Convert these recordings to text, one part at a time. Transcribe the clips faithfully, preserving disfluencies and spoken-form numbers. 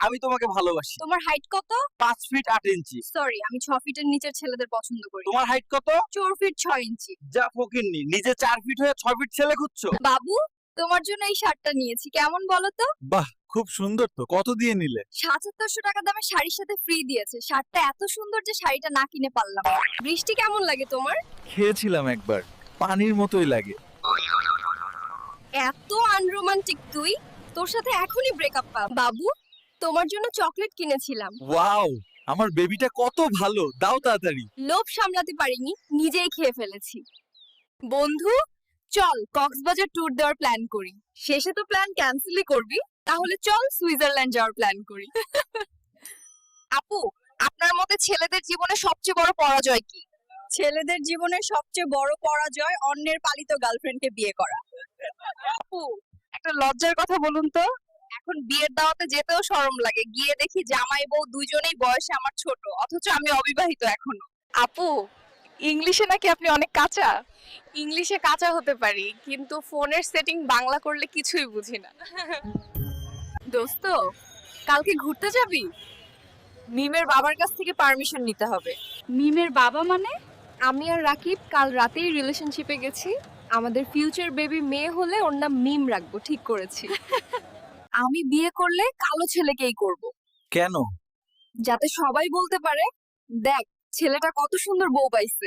আমি তোমাকে ভালোবাসি। তোমার হাইট কত? পাঁচ ফিট আট ইঞ্চি। সরি, আমি ছয় ফিটের নিচের ছেলেদের পছন্দ করি। তোমার হাইট কত? চার ফিট ছয় ইঞ্চি। যা ফকিন্নি, নিজে চার ফিট হয়ে ছয় ফিট ছেলে খুঁজছো? বাবু, তোমার জন্য এই শার্টটা নিয়েছি, কেমন বলো তো? বাহ, খুব সুন্দর তো। কত দিয়ে নিলে? সাতাত্তরশো টাকা দামে শাড়ির সাথে ফ্রি দিয়েছে। শার্টটা এত সুন্দর যে শাড়িটা না কিনে পারলাম না। বৃষ্টি কেমন লাগে তোমার? খেয়েছিলাম একবার, পানির মতোই লাগে। এত আনরোমান্টিক তুই, তোর সাথে এখনই ব্রেকআপ পা। বাবু, তোমার জন্য চকলেট কিনেছিলাম। ওয়াও, আমার বেবিটা কত ভালো, দাও তাড়াতাড়ি। লোভ সামলাতে পারিনি, নিজেই খেয়ে ফেলেছি। বন্ধু, চল কক্সবাজার ট্যুর দেওয়ার প্ল্যান করি। শেষে তো প্ল্যান ক্যান্সেলই করবি, তাহলে চল সুইজারল্যান্ড যাওয়ার প্ল্যান করি। আপু, আপনার মতে ছেলেদের জীবনে সবচেয়ে বড় পরাজয় কি? ছেলেদের জীবনে সবচেয়ে বড় পরাজয় অন্যের পালিত গার্লফ্রেন্ডকে বিয়ে করা। আপু, একটা লজ্জার কথা বলুন তো, এখন বিয়ের দাওয়াতে যেতেও শরম লাগে। গিয়ে দেখি জামাই বউ দুইজনেই বয়সে আমার ছোট, অথচ আমি অবিবাহিত এখনো। আপু, ইংলিশে নাকি আপনি অনেক কাঁচা। ইংলিশে কাঁচা হতে পারি, কিন্তু ফোনের সেটিং বাংলা করলে কিছুই বুঝি না। দোস্ত, কালকে ঘুরতে যাবি? মিমের বাবার কাছ থেকে পারমিশন নিতে হবে। মিমের বাবা মানে? আমি আর রাকিব কাল রাতেই রিলেশনশিপে গেছি। আমাদের ফিউচার বেবি মেয়ে হলে ওর নাম মিম রাখবো ঠিক করেছি। আমি বিয়ে করলে কালো ছেলেকেই করব, কেন? যাতে সবাই বলতে পারে, দেখ ছেলেটা কত সুন্দর বউ পাইছে।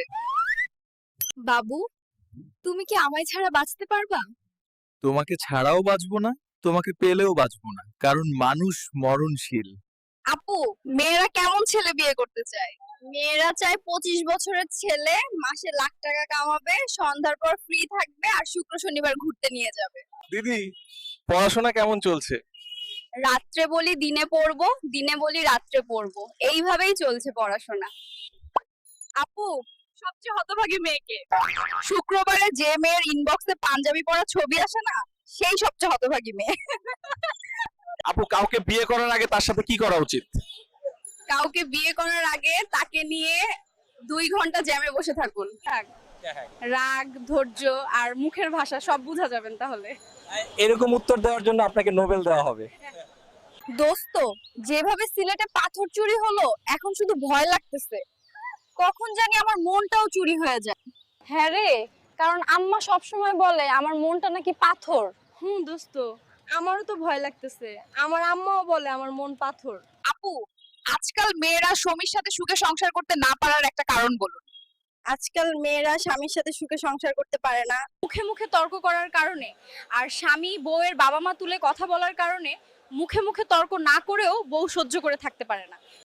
বাবু, তুমি কি আমায় ছাড়া বাঁচতে পারবা? তোমাকে ছাড়াও বাঁচবো না, তোমাকে পেলেও বাঁচবো না, কারণ মানুষ মরণশীল। আপু, মেয়েরা কেমন ছেলে বিয়ে করতে চায়? মেয়েরা চায় পঁচিশ বছরের ছেলে, মাসে লাখ টাকা কামাবে, সন্ধ্যার পর ফ্রি থাকবে আর শুক্র শনিবার ঘুরতে নিয়ে যাবে। দিদি, পড়াশোনা কেমন চলছে? রাত্রে বলি দিনে পড়বো, দিনে বলি রাত্রে পড়বো, এইভাবেই চলছে পড়াশোনা। আপু, সবচেয়ে হতভাগী মেয়েকে? শুক্রবারে যে মেয়ের ইনবক্সে পাঞ্জাবি পরা ছবি আসে না, সেই সবচেয়ে হতভাগী মেয়ে। আপু, কাউকে বিয়ে করার আগে তার সাথে কি করা উচিত? কাউকে বিয়ে করার আগে তাকে নিয়ে দুই ঘন্টা জ্যামে বসে থাকুন। থাক। রাগ, ধৈর্য আর মুখের ভাষা সব বোঝা যাবেন তাহলে। এরকম উত্তর দেওয়ার জন্য আপনাকে নোবেল দেওয়া হবে। দোস্ত, যেভাবে সিলেটে পাথর চুরি হলো, এখন শুধু ভয় লাগতেছে, কখন জানি আমার মনটাও চুরি হয়ে যায়। হ্যাঁ রে, কারণ আম্মা সব সময় বলে আমার মনটা নাকি পাথর। হুম দোস্ত, আমারও তো ভয় লাগতেছে। আমার আম্মাও বলে আমার মন পাথর। আপু, আজকাল মেয়েরা স্বামীর সাথে সুখে সংসার করতে না পারার একটা কারণ বলুন। আজকাল মেয়েরা স্বামীর সাথে সুখে সংসার করতে পারে না মুখে মুখে তর্ক করার কারণে, আর স্বামী বউয়ের বাবা মা তুলে কথা বলার কারণে মুখে মুখে তর্ক না করেও বউ সহ্য করে থাকতে পারে না।